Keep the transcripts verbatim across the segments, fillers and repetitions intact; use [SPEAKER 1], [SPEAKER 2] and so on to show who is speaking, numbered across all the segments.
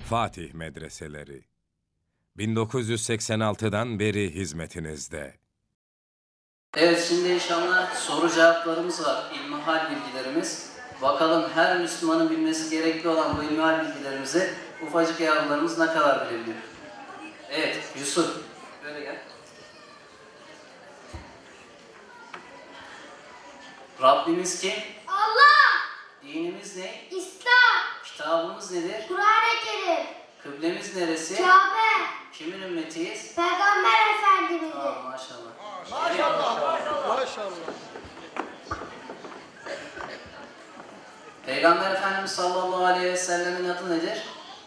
[SPEAKER 1] Fatih Medreseleri bin dokuz yüz seksen altıdan beri hizmetinizde.
[SPEAKER 2] Evet, şimdi inşallah soru cevaplarımız var, ilmihal bilgilerimiz. Bakalım her Müslümanın bilmesi gerekli olan bu ilmihal bilgilerimizi ufacık yavrularımız ne kadar bilebiliyor? Evet, Yusuf, böyle gel. Rabbimiz kim?
[SPEAKER 3] Allah!
[SPEAKER 2] Dinimiz ne?
[SPEAKER 3] İslam!
[SPEAKER 2] Kitabımız nedir?
[SPEAKER 3] Kur'an-ı Kerim!
[SPEAKER 2] Kıblemiz neresi?
[SPEAKER 3] Kabe!
[SPEAKER 2] Kimin ümmetiyiz?
[SPEAKER 3] Peygamber Efendimiz'in!
[SPEAKER 2] Aa, maşallah.
[SPEAKER 4] Maşallah, maşallah. Maşallah.
[SPEAKER 2] Peygamber Efendimiz sallallahu aleyhi ve sellemin adı nedir?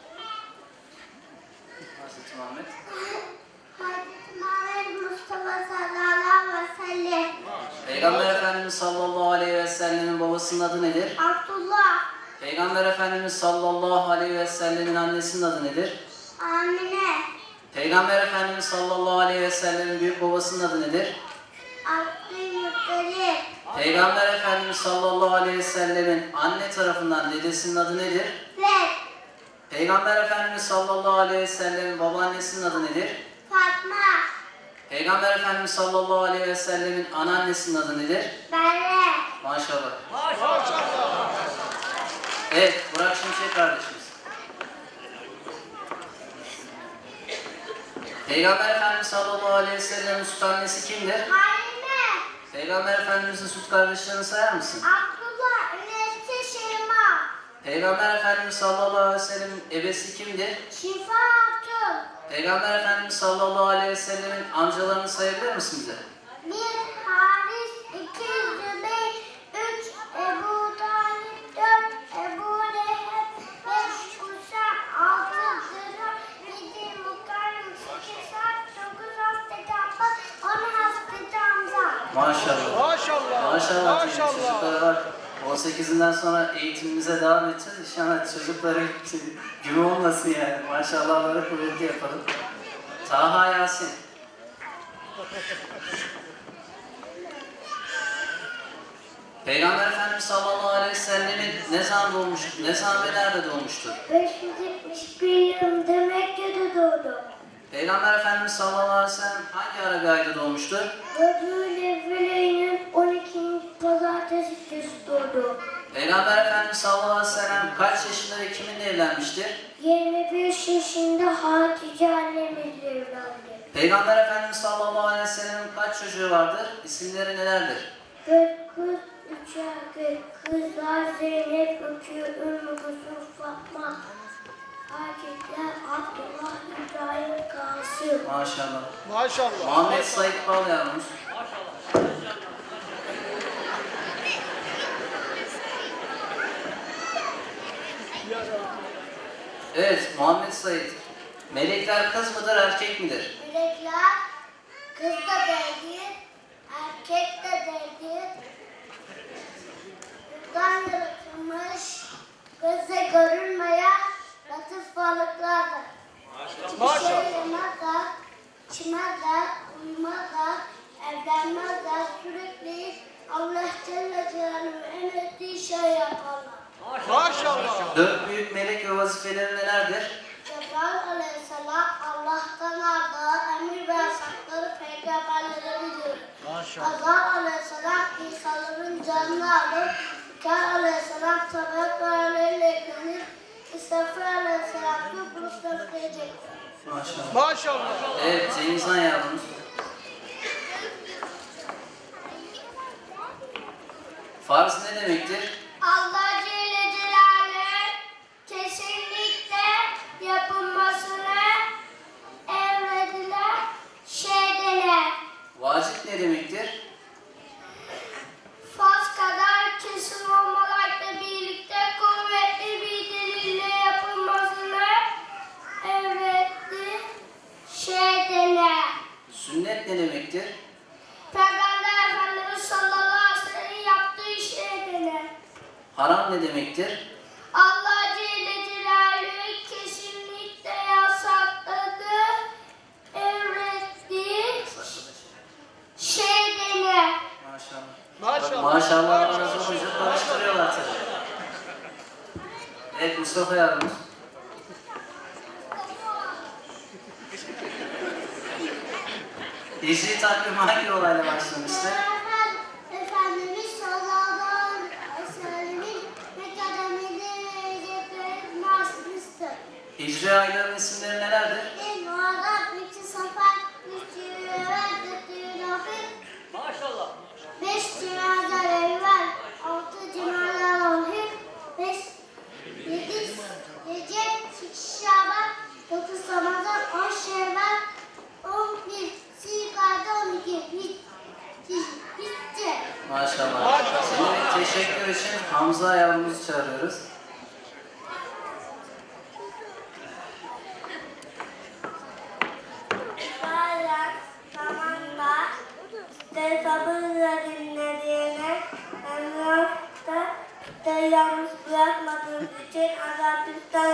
[SPEAKER 2] Hazreti Muhammed.
[SPEAKER 3] Hazreti Muhammed Mustafa sallallahu aleyhi ve sellem.
[SPEAKER 2] Peygamber Efendimiz sallallahu aleyhi ve sellemin babasının adı nedir?
[SPEAKER 3] Abdullah.
[SPEAKER 2] Peygamber Efendimiz sallallahu aleyhi ve sellemin annesinin adı nedir?
[SPEAKER 3] Amine.
[SPEAKER 2] Peygamber Efendimiz sallallahu aleyhi ve sellemin büyük babasının adı nedir?
[SPEAKER 3] Abdülmuttalip.
[SPEAKER 2] Peygamber Efendimiz sallallahu aleyhi ve sellemin anne tarafından dedesinin adı nedir?
[SPEAKER 3] Zed.
[SPEAKER 2] Peygamber Efendimiz sallallahu aleyhi ve sellemin babaannesinin adı nedir?
[SPEAKER 3] Fatma.
[SPEAKER 2] Peygamber Efendimiz sallallahu aleyhi ve sellemin anneannesinin adı nedir?
[SPEAKER 3] Berre.
[SPEAKER 2] Maşallah.
[SPEAKER 4] Maşallah.
[SPEAKER 2] Evet, Burak Şimşek kardeşimiz. Peygamber Efendimiz sallallahu aleyhi ve sellemin süt annesi kimdir?
[SPEAKER 3] Halime.
[SPEAKER 2] Peygamber Efendimiz'in süt kardeşlerini sayar mısın?
[SPEAKER 3] Abdullah. Üniversite Şeyma.
[SPEAKER 2] Peygamber Efendimiz sallallahu aleyhi ve sellemin ebesi kimdir?
[SPEAKER 3] Şifa Hatun.
[SPEAKER 2] Peygamber Efendimiz sallallahu aleyhi ve sellemin amcalarını sayabilir misin bize?
[SPEAKER 3] Bir Haris, iki Zübeyir, üç Ebu Talip, dört Ebu Leheb, beş Usam, altı Zülal, yedi Mukarrem, sekiz Sa'd, dokuz Hazreti Abbas, on Hazreti Hamza.
[SPEAKER 2] Maşallah.
[SPEAKER 4] Maşallah.
[SPEAKER 2] Maşallah.
[SPEAKER 4] Maşallah.
[SPEAKER 2] Çocuklara bak. on sekizinden sonra eğitimimize devam edeceğiz. İnşallah çocukları gibi olmasın yani. Maşallahları kuvvetli yapalım. Taha Yasin. Peygamber Efendimiz sallallahu aleyhi ve sellemin ne zaman doğmuş, ne zaman ve nerede doğmuştur?
[SPEAKER 3] beş yüz yetmiş bir yılında Mekke'de doğdu.
[SPEAKER 2] Peygamber Efendimiz sallallahu aleyhi ve sellem hangi ara bir ayda doğmuştur?
[SPEAKER 3] Rabi'ül Evvel ayının on ikinci pazartesi günü doğdu.
[SPEAKER 2] Peygamber Efendimiz sallallahu aleyhi ve sellem kaç yaşında ve kiminle evlenmiştir?
[SPEAKER 3] yirmi beş yaşında Hatice annemizle evlendi.
[SPEAKER 2] Peygamber Efendimiz sallallahu aleyhi ve sellem'in kaç çocuğu vardır? İsimleri nelerdir?
[SPEAKER 3] Dört kız, üç erkek. Kızlar Zeynep, Ökü, Ümmü Gülsüm, Fatma. Erkekler Abdullah, İbrahim, Kasım.
[SPEAKER 2] Maşallah.
[SPEAKER 4] Maşallah.
[SPEAKER 2] Muhammed Said Bal yavrumuz. Evet, Muhammed Said. Melekler kız mıdır, erkek midir?
[SPEAKER 3] Melekler kız da değildir, erkek de değildir. Buradan yaratılmış, gözle görülmeyen latif varlıklardır. Bir şey yemezler, içmezler, uyumazlar, evlenmezler, sürekli Allah Celle Celaluhu'nun emrettiği şey yaparlar.
[SPEAKER 4] Maşallah.
[SPEAKER 2] Dört büyük melek ve vazifeleri nelerdir?
[SPEAKER 3] Cebrail Aleyhisselam Allah'tan aldığı emir ve yasakları peygamberlere bildirir. Azar Aleyhisselam İsa'ların canını alır. Hikâr Aleyhisselam tabak ve aleyhle eklenir. İsrafil Aleyhisselam da bulutları diyecektir.
[SPEAKER 2] Maşallah.
[SPEAKER 4] Maşallah.
[SPEAKER 2] Evet, Cengizhan yavrumuz. Farz ne demektir?
[SPEAKER 3] Allah Celle Celaluhu kesinlikle yapılmasını emredilen şeyler.
[SPEAKER 2] Vacip ne demektir?
[SPEAKER 3] Farz kadar kesin olmamakla birlikte kuvvetli bir delille yapılmasını emrettiği şeyler.
[SPEAKER 2] Sünnet ne demektir?
[SPEAKER 3] Peygamber Efendimiz sallallahu aleyhi ve sellem yaptığı şeyler.
[SPEAKER 2] Haram ne demektir?
[SPEAKER 3] Allah Celle Celaluhu kesinlikle yasakladı, emrettiği şeyler.
[SPEAKER 2] Maşallah.
[SPEAKER 4] Maşallah.
[SPEAKER 2] Bak, maşallah arası olunca karıştırıyorlar tabii. Evet, Mustafa yavrumuz. Hicri takvim hangi olayla başlamıştır?
[SPEAKER 3] Peygamber Efendimiz sallallahu aleyhi ve sellemin Mekke'de Medine'ye marşmıştır.
[SPEAKER 2] Hicri ayların isimleri nelerdir?
[SPEAKER 3] İlk Muharrem, iki Safar, üç Cumhuriyet, dört Cumhuriyet,
[SPEAKER 4] Maşallah.
[SPEAKER 3] beş Cumhuriyet evvel, altı Cumhuriyet ahir, beş, yedi Recep, sekiz Şaban, dokuz Ramazan, on Şevval, on bir Zilkade, on iki Hic- Hic- Hicce.
[SPEAKER 2] Maşallah. Şimdi teşekkür için Hamza yavrumuzu çağırıyoruz.
[SPEAKER 3] Bayrak zamanda işte sabırla dinlediğine emlakta işte yalnız bırakmadığınız için Azabistan